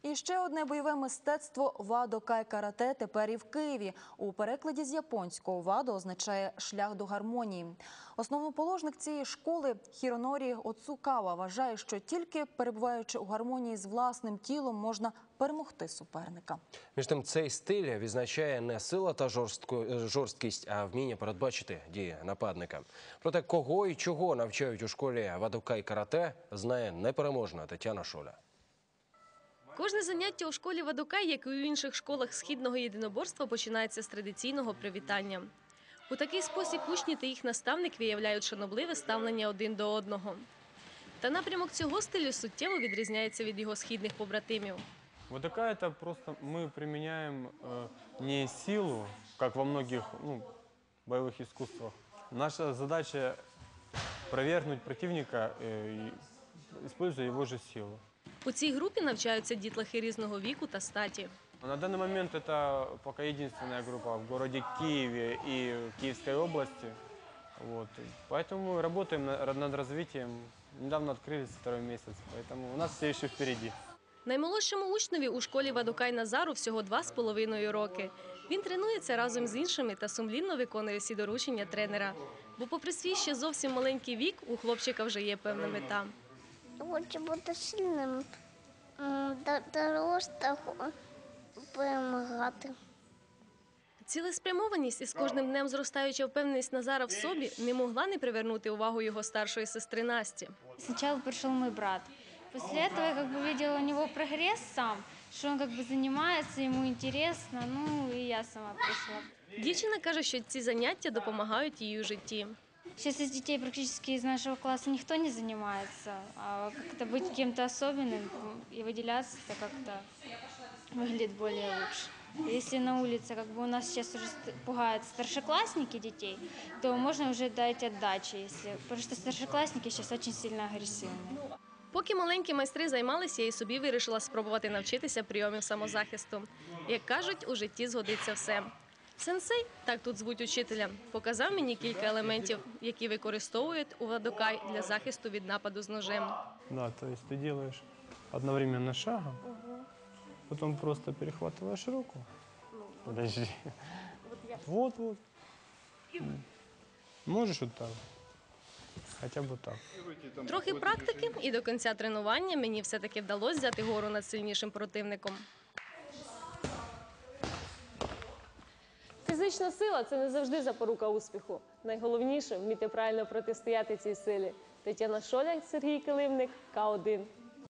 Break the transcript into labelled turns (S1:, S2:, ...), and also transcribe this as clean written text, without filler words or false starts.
S1: І ще одне бойове мистецтво «Вадо Кай карате» тепер і в Києві. У перекладі з японського «Вадо» означає «шлях до гармонії». Основоположник цієї школи Хіронорі Оцукава вважає, що тільки перебуваючи у гармонії з власним тілом можна перемогти суперника.
S2: Між тим, цей стиль відзначає не сила та жорсткість, а вміння передбачити дії нападника. Проте кого і чого навчають у школі «Вадо Кай карате» знає непереможна Тетяна Шоля.
S3: Кожне заняття у школі «Вадо Кай», як і у інших школах східного єдиноборства, починається з традиційного привітання. У такий спосіб учні та їх наставник виявляють шанобливе ставлення один до одного. Та напрямок цього стилю суттєво відрізняється від його східних побратимів.
S4: «Вадо Кай» – это просто мы применяем не силу, как во многих боевых искусствах. Наша задача – опровергнуть противника, используя его же силу.
S3: У цій групі навчаються дітлахи різного віку та статі.
S4: На данный момент это пока единственная группа в городе Киеве и в Киевской области. Поэтому мы работаем над развитием. Недавно открылись второй месяц, поэтому у нас все еще впереди.
S3: Наймолодшому учневі у школі «Вадо Кай» Назару всього 2,5 роки. Він тренується разом з іншими та сумлінно виконує всі доручення тренера. Бо попри свій ще зовсім маленький вік, у хлопчика вже є певна мета.
S5: Хочу бути сильним, дорослим, перемагати.
S3: Цілеспрямованість і з кожним днем зростаюча впевненість Назара в собі не могла не привернути увагу його старшої сестри Насті.
S6: Спочатку прийшов мій брат. Після цього я бачила у нього прогрес сам, що він займається, йому цікаво, і я сама прийшла.
S3: Дівчина каже, що ці заняття допомагають їй у житті.
S6: Сейчас из детей практически из нашего класса никто не занимается, а как-то быть кем-то особенным и выделяться, это как-то выглядит более лучше. Если на улице у нас сейчас уже пугают старшеклассники детей, то можно уже дать отдачи, потому что старшеклассники сейчас очень сильно агрессивны.
S3: Поки маленькі майстри займалися, я і собі вирішила спробувати навчитися прийомів самозахисту. Як кажуть, у житті згодиться все. Сенсей, так тут звуть учителя, показав мені кілька елементів, які використовують у «Вадо Кай» для захисту від нападу з ножем.
S4: Да, то есть ты делаешь одновременно шагом, потом просто перехватываешь руку. Подожди. Вот. Можешь вот так. Хоча б так.
S3: Трохи практики, і до кінця тренування мені все-таки вдалося взяти гору над сильнішим противником.
S7: Фізична сила – це не завжди запорука успіху. Найголовніше – вміти правильно протистояти цій силі. Тетяна Шоля, Сергій Килимник, К1.